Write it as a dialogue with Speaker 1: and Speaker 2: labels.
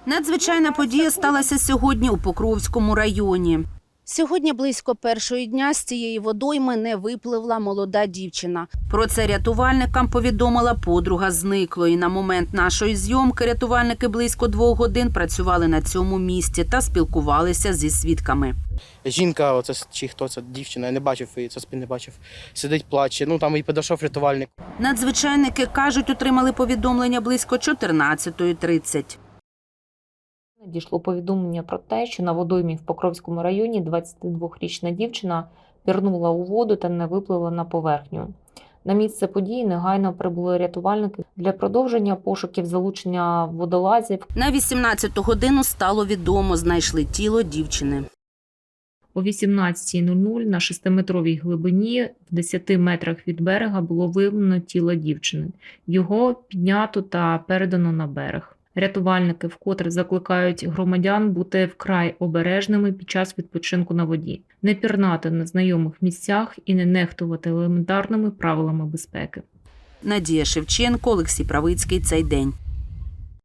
Speaker 1: Надзвичайна подія сталася сьогодні у Покровському районі. Сьогодні близько першої дня з цієї водойми не випливла молода дівчина. Про це рятувальникам повідомила подруга зниклої. На момент нашої зйомки рятувальники близько 2 годин працювали на цьому місці та спілкувалися зі свідками.
Speaker 2: Жінка, оце чи хто це, дівчина, я не бачив її, це спин не бачив, сидить, плаче, там і підійшов рятувальник.
Speaker 1: Надзвичайники кажуть, отримали повідомлення близько 14:30.
Speaker 3: Надійшло повідомлення про те, що на водоймі в Покровському районі 22-річна дівчина пірнула у воду та не випливла на поверхню. На місце події негайно прибули рятувальники для продовження пошуків залучення водолазів.
Speaker 1: На 18-ту годину стало відомо, знайшли тіло дівчини.
Speaker 3: О 18:00 на 6-метровій глибині в 10 метрах від берега було виявлено тіло дівчини. Його піднято та передано на берег. Рятувальники вкотре закликають громадян бути вкрай обережними під час відпочинку на воді, не пірнати на знайомих місцях і не нехтувати елементарними правилами безпеки.
Speaker 1: Надія Шевченко, Олексій Правицький. Цей день.